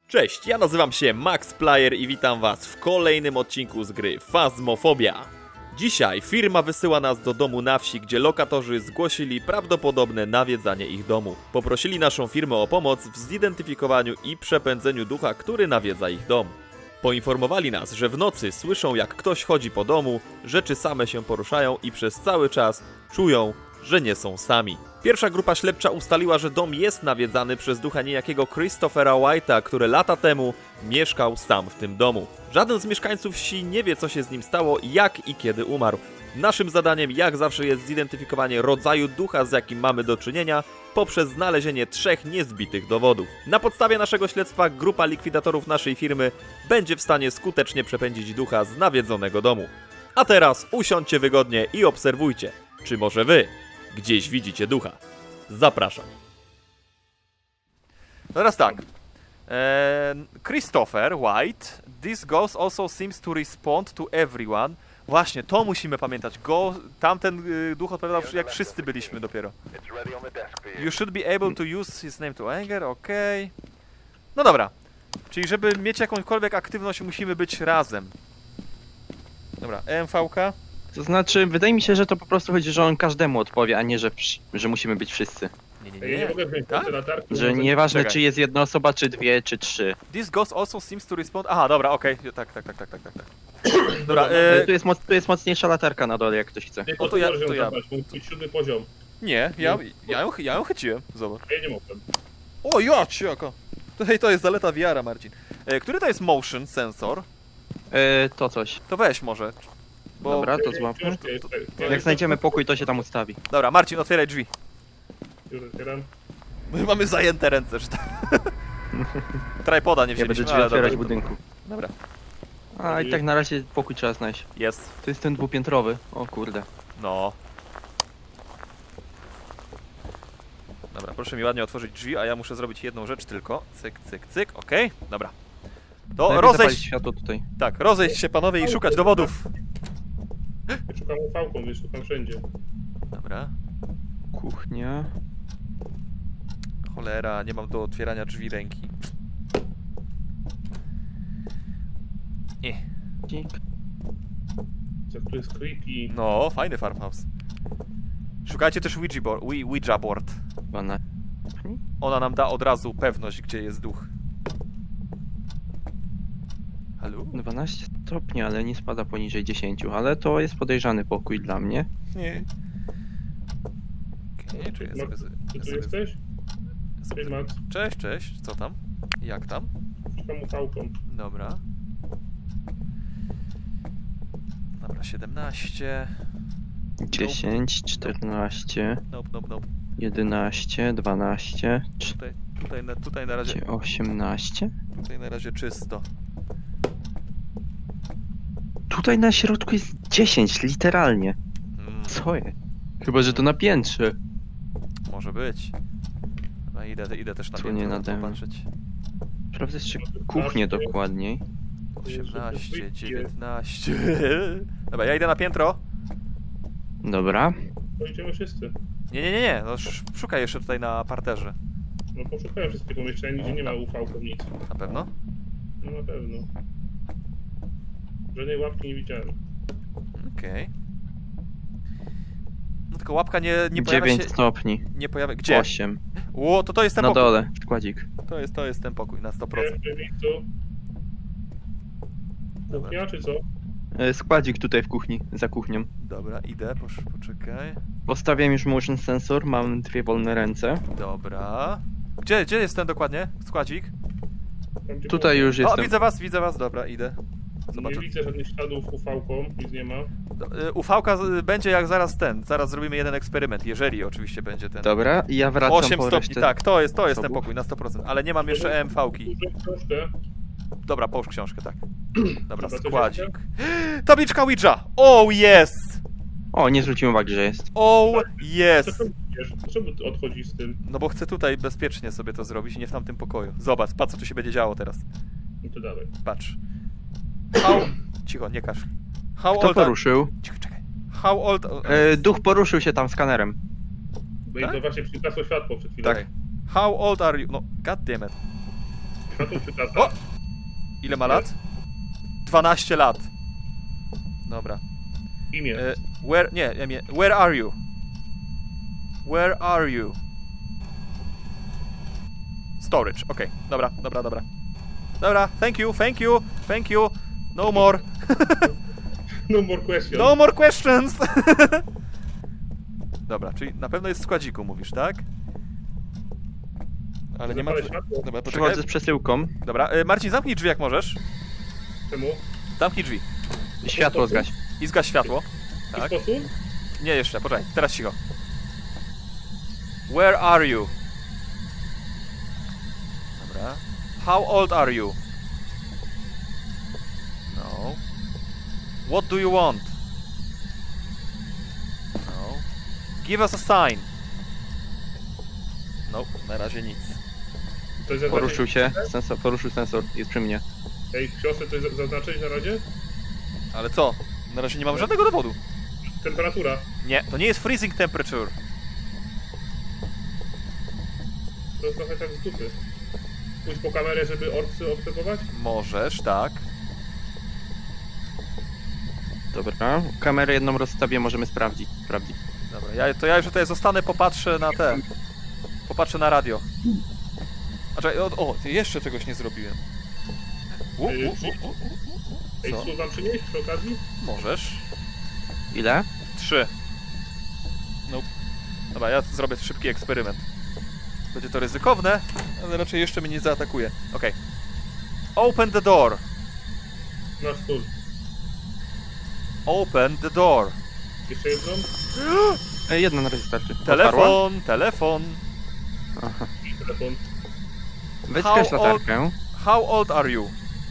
Cześć, ja nazywam się Max Player i witam was w kolejnym odcinku z gry Phasmophobia. Dzisiaj firma wysyła nas do domu na wsi, gdzie lokatorzy zgłosili prawdopodobne nawiedzanie ich domu. Poprosili naszą firmę o pomoc w zidentyfikowaniu i przepędzeniu ducha, który nawiedza ich dom. Poinformowali nas, że w nocy słyszą, jak ktoś chodzi po domu, rzeczy same się poruszają i przez cały czas czują, że nie są sami. Pierwsza grupa śledcza ustaliła, że dom jest nawiedzany przez ducha niejakiego Christophera White'a, który lata temu mieszkał sam w tym domu. Żaden z mieszkańców wsi nie wie, co się z nim stało, jak i kiedy umarł. Naszym zadaniem, jak zawsze, jest zidentyfikowanie rodzaju ducha, z jakim mamy do czynienia, poprzez znalezienie 3 niezbitych dowodów. Na podstawie naszego śledztwa grupa likwidatorów naszej firmy będzie w stanie skutecznie przepędzić ducha z nawiedzonego domu. A teraz usiądźcie wygodnie i obserwujcie, czy może wy gdzieś widzicie ducha. Zapraszam. Teraz tak. Christopher White. This ghost also seems to respond to everyone. Właśnie, to musimy pamiętać. Tamten duch odpowiadał, jak wszyscy byliśmy dopiero. You should be able to use his name to anger, okej. No dobra. Czyli żeby mieć jakąkolwiek aktywność, musimy być razem. Dobra, EMV-ka. To znaczy, wydaje mi się, że to po prostu chodzi, że on każdemu odpowie, a nie, że musimy być wszyscy. Ja nie mogę wziąć Tak? latarki. Że nieważne, Czekaj. czy jest jedna osoba, czy dwie, czy trzy. This ghost also seems to respond... Aha, dobra, okej. Tak. Dobra, Tu jest mocniejsza latarka na dole, jak ktoś chce. Nie, O, to ja- możesz ją to ja. zabrać, bo musi być 7 poziom. nie, ja ją chyciłem. Zobacz. A ja nie mogłem. O, jaka! To jest zaleta VR-a, Marcin. Który to jest motion sensor? To coś. To weź może. Bo... Dobra, to Ja złapmy. książkę jest- ja Jak znajdziemy pokój, to się tam ustawi. Dobra, Marcin, otwieraj drzwi. Już otwieram. My mamy zajęte ręce, że tak. Tripoda nie Ja będę wzięliśmy, drzwi ale otwierać w dobra. budynku. Dobra, A i tak na razie pokój trzeba znaleźć. jest. To jest ten dwupiętrowy. O kurde. No. Dobra, proszę mi ładnie otworzyć drzwi, a ja muszę zrobić jedną rzecz tylko. Cyk, okej, dobra. To Najpierw zapalić rozejść... światło tutaj. Tak, rozejść się panowie i szukać dowodów. Ja szukam ufałką, więc szukam wszędzie. Dobra. Kuchnia. Cholera, nie mam do otwierania drzwi ręki. Nie. Dzik. Co tu jest creepy. No, fajny farmhouse. Szukajcie też Ouija board. 12. Ona nam da od razu pewność, gdzie jest duch. Halo? 12 stopni, ale nie spada poniżej 10, ale to jest podejrzany pokój dla mnie. Nie. Okej, czy ja sobie... Czy ja tu sobie- jesteś? Cześć Max. Cześć, co tam? Jak tam? Szukam ufałką. Dobra. Dobra, 17. 10, 14, Nope. 11, 12, Tutaj na razie... 18. Tutaj na razie czysto. Tutaj na środku jest 10, literalnie. Co jest? Chyba, że to na piętrze. Może być. Dobra, idę też na Tu piętro nie nade mną. popatrzeć. Sprawdzę jeszcze kuchnię dokładniej. 18, 19. Dobra, ja idę na piętro. Dobra. Pojedziemy wszyscy. Nie. No, szukaj jeszcze tutaj na parterze. No poszukałem wszystkie pomieszczenia, nigdzie nie ma ufałką nic. Na pewno? No na pewno. Żadnej łapki nie widziałem. Okej. No tylko łapka nie pojawia 9 się... stopni. Nie pojawia... Gdzie? 8. Ło, to jest ten Na pokój. dole, składzik. To jest ten pokój na 100%. W tym miejscu. Kuchnia czy co? Składzik tutaj w kuchni, za kuchnią. Dobra, idę, poczekaj. Postawiam już motion sensor, mam 2 wolne ręce. Dobra. Gdzie jest ten dokładnie? Składzik? Tam, gdzie Tutaj już O, jestem. widzę was, dobra, idę. Zobaczę. Nie widzę żadnych śladów ufałką, nic nie ma. UV-ka będzie jak zaraz zrobimy jeden eksperyment, jeżeli oczywiście będzie ten. Dobra, i ja wracam 8 po stopni, resztę. tak, to jest ten zasobów. pokój na 100%, ale nie mam jeszcze EMV-ki. Dużą książkę. Dobra, połóż książkę, tak. Dobra, Dobra, to składzik. Tabliczka Ouija! Oh yes! O, nie zwróciłem uwagi, że jest. Oh yes! Dlaczego ty odchodzisz z tym? No bo chcę tutaj bezpiecznie sobie to zrobić i nie w tamtym pokoju. Zobacz, patrz co tu się będzie działo teraz. No to dawaj. Patrz. How... Cicho, nie kaszl. How Kto old are... poruszył? Cicho, czekaj. How old... Duch poruszył się tam skanerem. Bo Tak? to właśnie przygasło światło przed chwilą. Tak. How old are you... No, god damn it. Światło czy tata? O! Ile ma lat? 12 lat. Dobra. Imię. Where are you? Where are you? Storage, okej. Dobra. Dobra, thank you. No more. No more question. No more questions! Dobra, czyli na pewno jest w składziku, mówisz, tak? Ale nie ma... Zapalę światło. Dobra, poczekaj. Przychodzę z przesyłką. Dobra, Marcin, zamknij drzwi jak możesz. Czemu? Zamknij drzwi. Światło zgaś. I zgaś światło. W Tak. ten sposób? Nie, jeszcze, poczekaj, teraz cicho. Where are you? Dobra. How old are you? No. What do you want? No. Give us a sign. No, na razie nic. To jest Poruszył się. Poruszył sensor. Jest przy mnie. Ej, w książce coś zaznaczyć na razie? Ale co? Na razie nie mamy żadnego dowodu. Temperatura. Nie, to nie jest freezing temperature. To jest trochę tak z dupy. Pójdź po kamerę, żeby orcy obserwować? Możesz, tak. Dobra. Kamerę jedną rozstawię, możemy sprawdzić. Dobra, ja już tutaj zostanę, popatrzę na te. Popatrzę na radio. A czekaj, jeszcze czegoś nie zrobiłem. Ej, Co? słów wam przynieść przy okazji? Możesz. Ile? 3. No. Dobra, ja zrobię szybki eksperyment. Będzie to ryzykowne, ale raczej jeszcze mnie nie zaatakuje. Okej. Open the door. Nasz stół. Open the door. Jeszcze jedną? Jedna na razie starczy. Telefon. Aha. I telefon. Weź How zgaś old- latarkę. How old are you?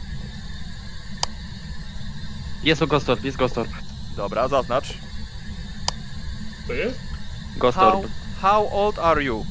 Jest Ghost Orb. Dobra, zaznacz. To jest? Ghost Orb. How old are you?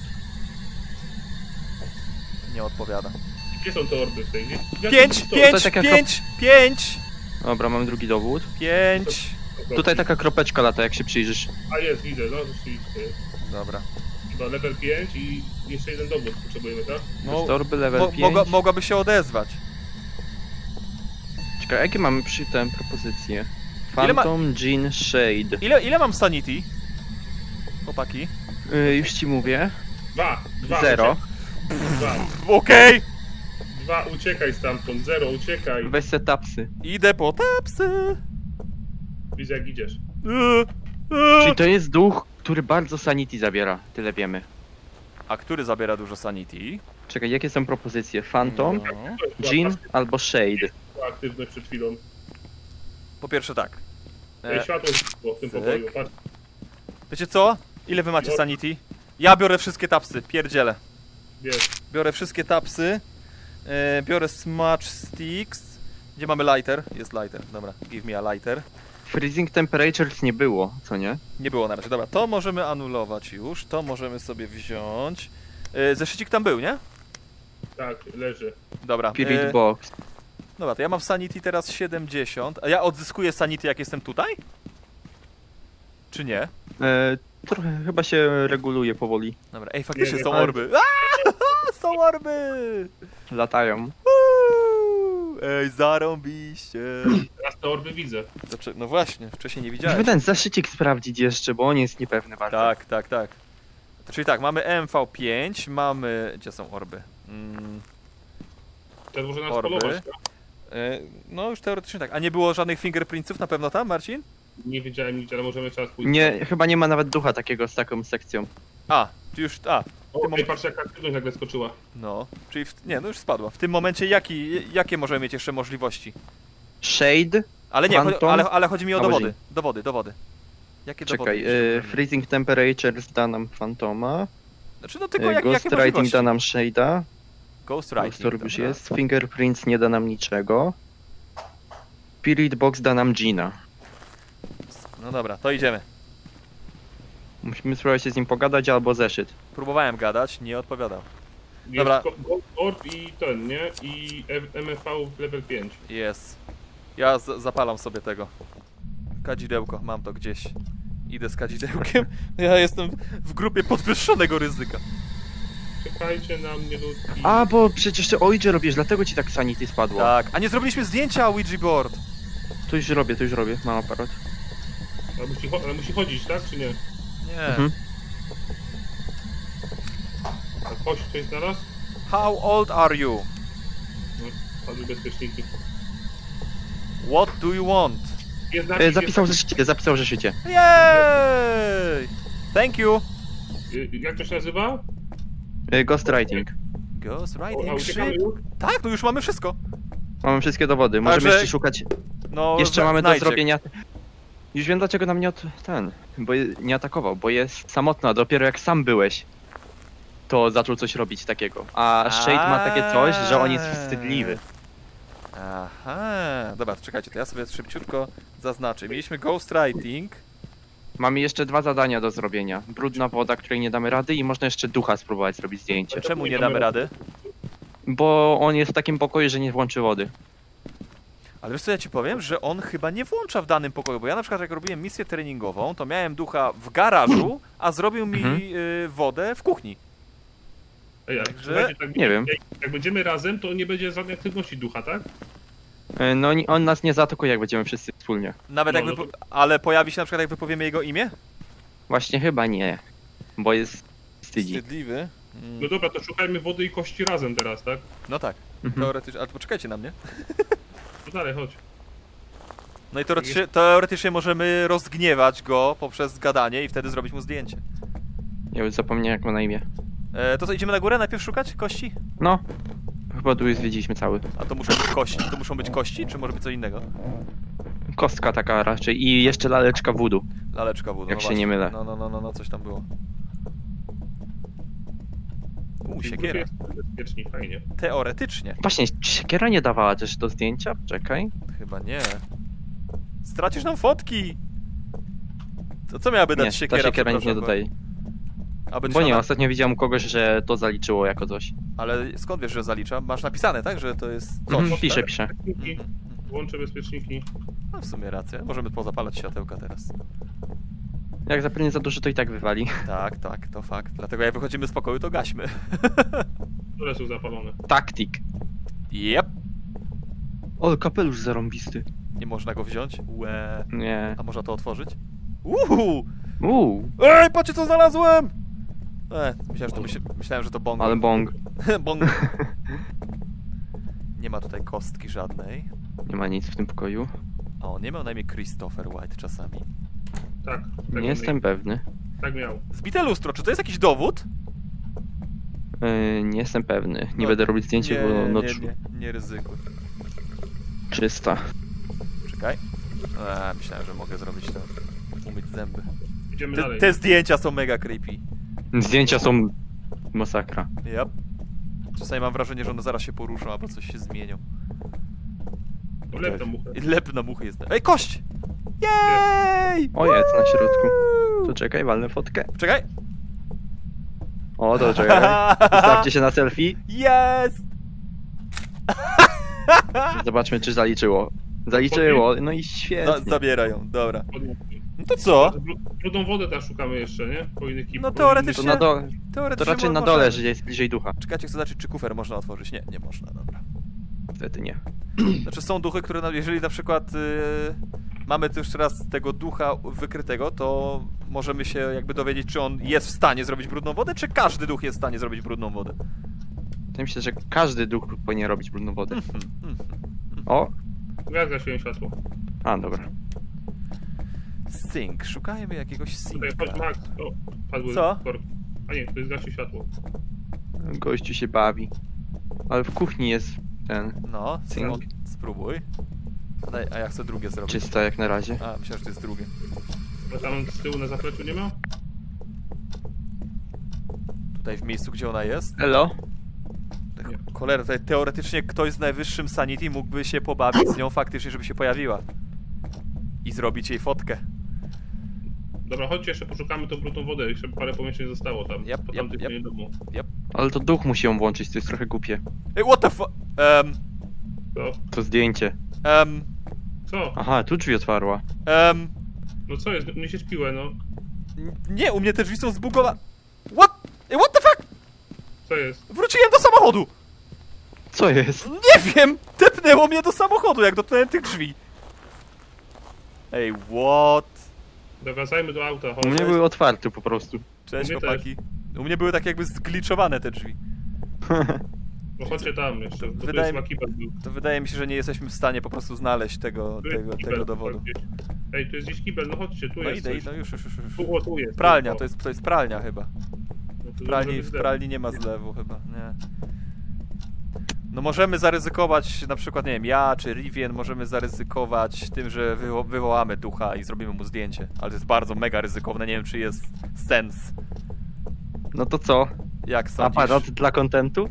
Nie odpowiada. Gdzie są te orby w tej? Gdzie? 5, To- 5, taka 5. Dobra, mamy drugi dowód. 5. to- Tutaj taka kropeczka lata, jak się przyjrzysz. A jest, widzę, no rzeczywiście. Dobra. Chyba level 5 i jeszcze jeden dowód potrzebujemy, tak? Ghost Orby level 5. Mogłaby się odezwać. Czekaj, jakie mamy przy tym propozycje? Ile ma- Phantom, Jean, Shade. Ile mam sanity? Chłopaki. Już ci mówię. 2. 0. 2. Okej. 2, uciekaj stamtąd. 0, uciekaj. Weź setupsy. Idę po tapsy. Widzę jak idziesz. Czyli to jest duch, który bardzo sanity zabiera. Tyle wiemy. A który zabiera dużo sanity? Czekaj, jakie są propozycje? Phantom, No. Jean albo Shade. Była aktywność przed chwilą. Po pierwsze tak. Ej, światło znikło w tym cyk. pokoju. Patrz. Wiecie co? Ile wy macie No. sanity? Ja biorę wszystkie tapsy, pierdzielę. Jest. Biorę wszystkie tapsy. Biorę smudge sticks. Gdzie mamy lighter? Jest lighter, dobra. Give me a lighter. Freezing temperatures nie było, co nie? Nie było na razie, dobra. To możemy anulować już. To możemy sobie wziąć. Zeszycik tam był, nie? Tak, leży. Dobra. Spirit Box. Dobra, to ja mam w sanity teraz 70. A ja odzyskuję sanity jak jestem tutaj? Czy nie? Trochę chyba się reguluje powoli. Dobra, ej, faktycznie Nie, są ale- orby. Są orby! Latają. Uuu, ej, zarąbiście. Teraz te orby widzę. No właśnie, wcześniej nie Musimy widziałem. ten zaszycik sprawdzić jeszcze, bo on jest niepewny bardzo. Tak. Czyli tak, mamy MV5, mamy... Gdzie są orby? Teraz może nas Orby. polować. tak? No już teoretycznie tak. A nie było żadnych fingerprintsów na pewno tam, Marcin? Nie wiedziałem nigdzie, ale możemy czas pójść. Nie, chyba nie ma nawet ducha takiego z taką sekcją. A, czy już... O, tym ej, patrz jaka aktywność nagle skoczyła. No, czyli... Nie, no już spadła. W tym momencie jakie możemy mieć jeszcze możliwości? Shade. Ale nie, Phantom? ale chodzi mi o Albo dowody. Jakie Czekaj, dowody? jeszcze możemy mieć? Freezing temperatures da nam Phantoma. Znaczy no tylko jakie Ghost Writing możliwości? da nam Shade'a. Ghost Ghost Writing, Orb już dobra. jest. Fingerprints nie da nam niczego. Spirit Box da nam Gina. No dobra, to idziemy. Musimy spróbować się z nim pogadać albo zeszyt. Próbowałem gadać, nie odpowiadał. Jest Dobra. Ghost Orb i ten, nie? I MFV level 5. Jest. Ja zapalam sobie tego. Kadzidełko, mam to gdzieś. Idę z kadzidełkiem. Ja jestem w grupie podwyższonego ryzyka. Czekajcie na mnie, ludki. A, bo przecież ty Ouija robisz, dlatego ci tak sanity spadło. Tak, a nie zrobiliśmy zdjęcia Ouija board. To już robię, mam aparat. Ale musi chodzić, tak, czy nie? Nie. Mhm. A kość coś znalazł? How old are you? No, padły bezpieczniki. What do you want? Jest napis, Zapisał w zeszycie. Yay! Thank you. Jak to się nazywa? Ghostwriting. Ghost A writing uciekamy shit. już? Tak, no już mamy wszystko. Mamy wszystkie dowody, możemy Także- jeszcze szukać. No, Jeszcze mamy do znajdźcie. zrobienia. Już wiem dlaczego nam nie atakował, bo jest samotna, dopiero jak sam byłeś, to zaczął coś robić takiego. A Shade ma takie coś, że on jest wstydliwy. Aha, dobra, to czekajcie, to ja sobie szybciutko zaznaczę. Mieliśmy ghostwriting. Mamy jeszcze 2 zadania do zrobienia. Brudna woda, której nie damy rady i można jeszcze ducha spróbować zrobić zdjęcie. Czemu nie damy rady? Bo on jest w takim pokoju, że nie włączy wody. Ale wiesz co, ja ci powiem, że on chyba nie włącza w danym pokoju, bo ja na przykład jak robiłem misję treningową, to miałem ducha w garażu, a zrobił mi wodę w kuchni. Ej, ale Także- słuchajcie, tak, Nie wiem. Jak będziemy razem, to nie będzie żadnej aktywności ducha, tak? No on nas nie zaatakuje, jak będziemy wszyscy wspólnie. Nawet No, jakby, no ale pojawi się na przykład jak wypowiemy jego imię? Właśnie chyba nie, bo jest wstydzi. Wstydliwy. No dobra, to szukajmy wody i kości razem teraz, tak? No tak, Mhm. teoretycznie, ale poczekajcie na mnie. No dalej, chodź. No i teoretycznie możemy rozgniewać go poprzez gadanie i wtedy zrobić mu zdjęcie. Ja już zapomniałem jak ma na imię. To co, idziemy na górę najpierw szukać kości? No, chyba tu już zwiedziliśmy cały. A to muszą być kości, czy może być co innego? Kostka taka raczej i jeszcze laleczka voodoo. Laleczka wód. Jak się nie mylę. No, coś tam było. W grupie Siekiera. jest bezpieczni, fajnie. Teoretycznie. Właśnie, czy siekiera nie dawała też do zdjęcia? Czekaj. Chyba nie. Stracisz nam fotki! To co miałaby dać Nie, siekiera? ta siekiera nic nie przepraszam, dodaje. Aby Bo nie, trzeba- ostatnio widziałem u kogoś, że to zaliczyło jako coś. Ale skąd wiesz, że zalicza? Masz napisane, tak? Że to jest coś. Mhm, piszę. Bezpieczniki. Mhm. Włączę bezpieczniki. No w sumie rację. Możemy pozapalać światełka teraz. Jak zapewne za dużo, to i tak wywali. Tak, to fakt. Dlatego jak wychodzimy z pokoju, to gaśmy. Które są zapalone? Taktik. Jep. O, kapelusz zarąbisty. Nie można go wziąć? Łe. Nie. A można to otworzyć? Uhu! Ej, patrzcie co znalazłem! Myślałem, że to bong. Ale bong. Bong. Nie ma tutaj kostki żadnej. Nie ma nic w tym pokoju. A on nie miał na imię Christopher White czasami. Tak. Nie jestem pewny. Tak miał. Zbite lustro, czy to jest jakiś dowód? Nie jestem pewny. Nie No, będę robić zdjęcia, bo no nie ryzykuj. czysta. Czekaj. Myślałem, że mogę zrobić to. Umyć zęby. Idziemy dalej. Te zdjęcia są mega creepy. Zdjęcia są masakra. Yep. Czasami mam wrażenie, że one zaraz się poruszą, albo coś się zmienią. To lep na muchę. I lep na muchę jest. Ej, kość! Jej! O, jest na środku. To czekaj, walnę fotkę. Czekaj. O, to czekaj. Ustawcie się na selfie. Jest! Zobaczmy, czy zaliczyło. Zaliczyło, no i świetnie. Zabieraj ją, dobra. Podmuchki. No to co? Brudną wodę teraz szukamy jeszcze, nie? Po innych No To, teoretycznie- na do... to Teoretycznie raczej na możemy. dole, że jest bliżej ducha. Czekajcie, chcę zobaczyć, czy kufer można otworzyć. Nie, nie można, dobra. Niestety nie. Znaczy są duchy, które, jeżeli na przykład mamy tu jeszcze raz tego ducha wykrytego, to możemy się jakby dowiedzieć, czy on jest w stanie zrobić brudną wodę, czy każdy duch jest w stanie zrobić brudną wodę. Wydaje mi się, że każdy duch powinien robić brudną wodę. Mhm. O! Ja zgasiłem światło. A, dobra. Sink, szukajmy jakiegoś Tutaj, sinka. chodź Max. O, padły Co? korki. A nie, to zgasił światło. Gościu się bawi. Ale w kuchni jest ten No, Sink. spróbuj. A ja chcę drugie zrobić. czysta jak na razie. A, myślałem, że to jest drugie. A tam z tyłu na zapleczu nie ma? Tutaj w miejscu, gdzie ona jest. Elo? Cholera, tutaj teoretycznie ktoś z najwyższym sanity mógłby się pobawić z nią faktycznie, żeby się pojawiła. I zrobić jej fotkę. Dobra, chodźcie jeszcze poszukamy tą brudną wodę. Jeszcze parę pomieszczeń zostało tam. Yep, po yep, tamtym yep. domu. Ale to duch musi ją włączyć, to jest trochę głupie. Ej, what the fu... Co? To zdjęcie. Co? Aha, tu drzwi otwarła. No co jest? Mnie się śpiłe, no. Nie, u mnie te drzwi są zbugowane. What? Ej, what the fuck? Co jest? Wróciłem do samochodu! Co jest? Nie wiem! Tepnęło mnie do samochodu, jak dotknąłem tych drzwi. Ej, what? Wracajmy do auta, U chodź. mnie były otwarte po prostu. Cześć, U mnie chłopaki. U mnie były tak jakby zgliczowane te drzwi. No chodźcie tam jeszcze, bo Wydaje tu mi- jest kibel był. To wydaje mi się, że nie jesteśmy w stanie po prostu znaleźć tego Tu jest kibel, tego dowodu. gdzieś. Ej, tu jest gdzieś kibel, no chodźcie, tu No jest idę, coś. idę, już. Tu, o, tu jest. Pralnia, o. to jest pralnia chyba. No to W żeby pralni nie ma zlewu chyba, nie. No możemy zaryzykować, na przykład, nie wiem, ja czy Rivian możemy zaryzykować tym, że wywołamy ducha i zrobimy mu zdjęcie. Ale to jest bardzo mega ryzykowne, nie wiem czy jest sens. No to co? Jak sądzisz? Aparat dla kontentu?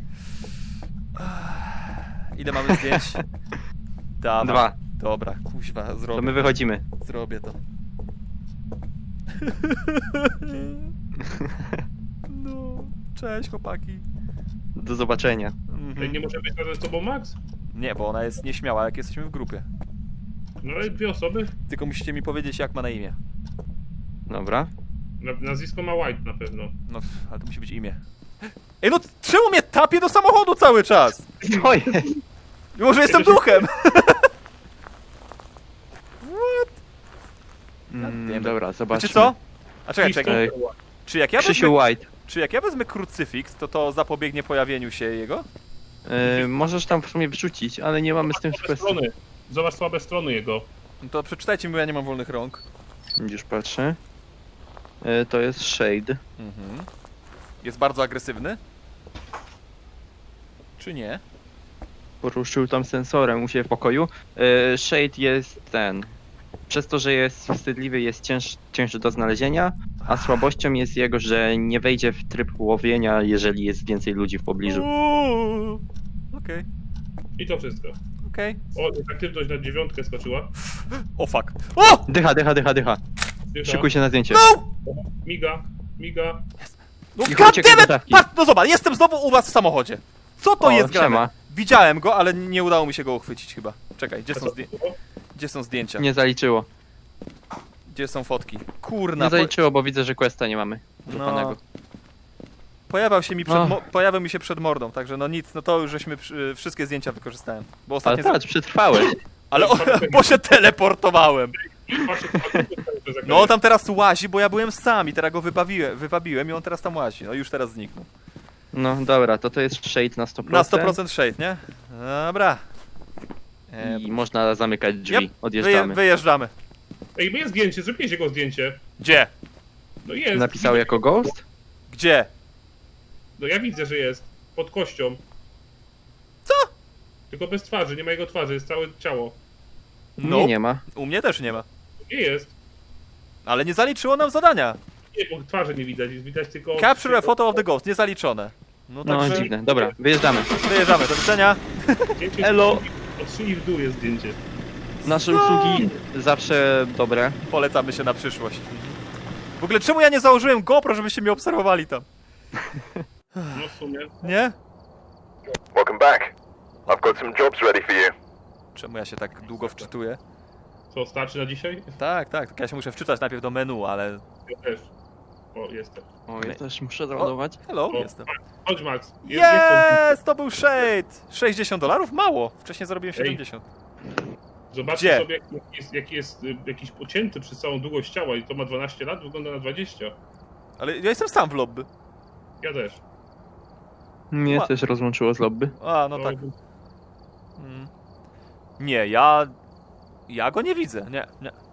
Ile mamy zdjęć? Dawaj. 2. Dobra, kuźwa, To zrobię. my wychodzimy. Zrobię to. No, cześć chłopaki. Do zobaczenia. Ej, nie może być razem z tobą Max? Nie, bo ona jest nieśmiała, jak jesteśmy w grupie. No ale 2 osoby? Tylko musicie mi powiedzieć, jak ma na imię. Dobra. Nazwisko ma White na pewno. No, ale to musi być imię. Ej, no czemu mnie tapie do samochodu cały czas? Co jest? Mimo, że jestem duchem! Dobra, zobaczmy. Wiecie co? A czekaj, Krzysztof czekaj. Ej. White. Krzysiu White. Czy jak ja wezmę krucyfiks, to zapobiegnie pojawieniu się jego? Możesz tam w sumie wrzucić, ale nie mamy z tym Słabe kwestii. strony. Zobacz słabe strony jego. No to przeczytajcie mi, bo ja nie mam wolnych rąk. Już patrzę. To jest Shade. Mhm. Jest bardzo agresywny? Czy nie? Poruszył tam sensorem u siebie w pokoju. Shade jest ten. Przez to, że jest wstydliwy, jest cięższy do znalezienia, a słabością jest jego, że nie wejdzie w tryb łowienia, jeżeli jest więcej ludzi w pobliżu. Uuu. Okej, I to wszystko. okej. O, aktywność na 9 skoczyła. O fuck. O! Dycha. Dycha. Szykuj się na zdjęcie. No! Miga. No I god uciekaj damn do it! dawki. Patrz, no zobacz, jestem znowu u was w samochodzie. Co to O, jest grane? siema. Widziałem go, ale nie udało mi się go uchwycić chyba. Czekaj, O, gdzie są zdjęcia? Nie zaliczyło. Gdzie są fotki? Kurna, Nie zaliczyło, bo widzę, że questa nie mamy. No. Złapanego. Pojawiał mi się przed mordą, także no nic, no to już żeśmy wszystkie zdjęcia wykorzystałem. Bo Ale ostatnio... patrz, przetrwałeś. Ale bo się teleportowałem. patrzcie, No on tam teraz łazi, bo ja byłem sam i teraz go wybawiłem i on teraz tam łazi. No już teraz zniknął. No dobra, to jest Shade na 100%. Na 100% shade, nie? Dobra. I można zamykać drzwi. Yep, Odjeżdżamy. wyjeżdżamy. Ej, jest zdjęcie, zrobiłeś jego zdjęcie. Gdzie? No jest. Napisał jako ghost? Gdzie? No ja widzę, że jest. Pod kością. Co? Tylko bez twarzy, nie ma jego twarzy, jest całe ciało. No, Nie ma. u mnie też nie ma. Nie jest. Ale nie zaliczyło nam zadania. Nie, bo twarzy nie widać, jest widać tylko... Capture a photo of the ghost, niezaliczone. No No także dziwne. Dobra, wyjeżdżamy. wyjeżdżamy, do widzenia. Zdjęcie Elo. Od szyi w dół jest zdjęcie. Nasze usługi zawsze dobre. Polecamy się na przyszłość. W ogóle czemu ja nie założyłem GoPro, żebyście mnie obserwowali tam? No w sumie. Nie? Welcome back. I've got some jobs ready for you. Czemu ja się tak długo wczytuję? Co, starczy na dzisiaj? Tak, ja się muszę wczytać najpierw do menu, ale... Ja też. O, jestem. O, ja też muszę załadować. Hello, O, jestem. Chodź Max. Jest Jest! To był Shade! $60? Mało! Wcześniej zarobiłem 70. Zobaczcie Gdzie? sobie, jaki jest jakiś pocięty przez całą długość ciała i to ma 12 lat, wygląda na 20. Ale ja jestem sam w lobby. Ja też. Mnie Ma- też rozłączyło z lobby. A, no tak. Mm. Nie, ja go nie widzę. Nie.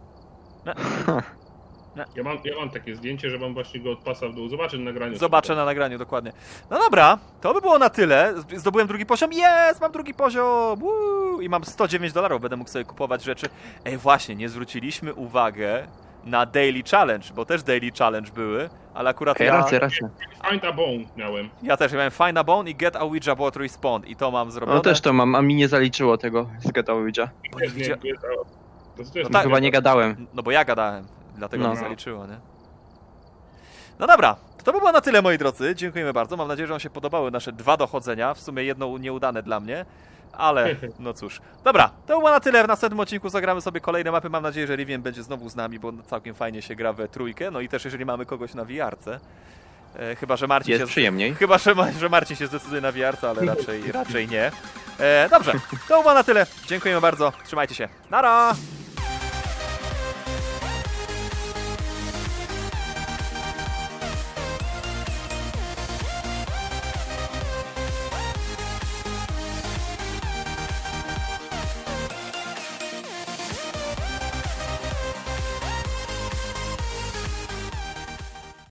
Ja mam takie zdjęcie, że mam właśnie go od pasa w dół. Zobaczę na nagraniu. Zobaczę na nagraniu, dokładnie. No dobra, to by było na tyle. Zdobyłem drugi poziom. Jest! Mam drugi poziom! Woo! I mam $109. Będę mógł sobie kupować rzeczy. Ej, właśnie, nie zwróciliśmy uwagę na Daily Challenge, bo też Daily Challenge były, ale akurat Okej, ja racja. Find a bone miałem. też miałem Find a Bone i Get a Ouija Board Respawn i to mam zrobione. No też to mam, a mi nie zaliczyło tego z Get Ouija. Bo nie widzia- To jest tak. Chyba nie gadałem. No bo ja gadałem, dlatego No. nie zaliczyło, nie? No dobra, to by było na tyle, moi drodzy. Dziękujemy bardzo. Mam nadzieję, że wam się podobały nasze 2 dochodzenia. W sumie jedno nieudane dla mnie, ale no cóż. Dobra, to było na tyle. W następnym odcinku zagramy sobie kolejne mapy. Mam nadzieję, że Rivian będzie znowu z nami, bo całkiem fajnie się gra we trójkę. No i też jeżeli mamy kogoś na VR-ce. Chyba, że Marcin Jest się... przyjemniej. Chyba, że Marcin się zdecyduje na VR, ale raczej nie. Dobrze, to było na tyle. Dziękujemy bardzo. Trzymajcie się. Nara!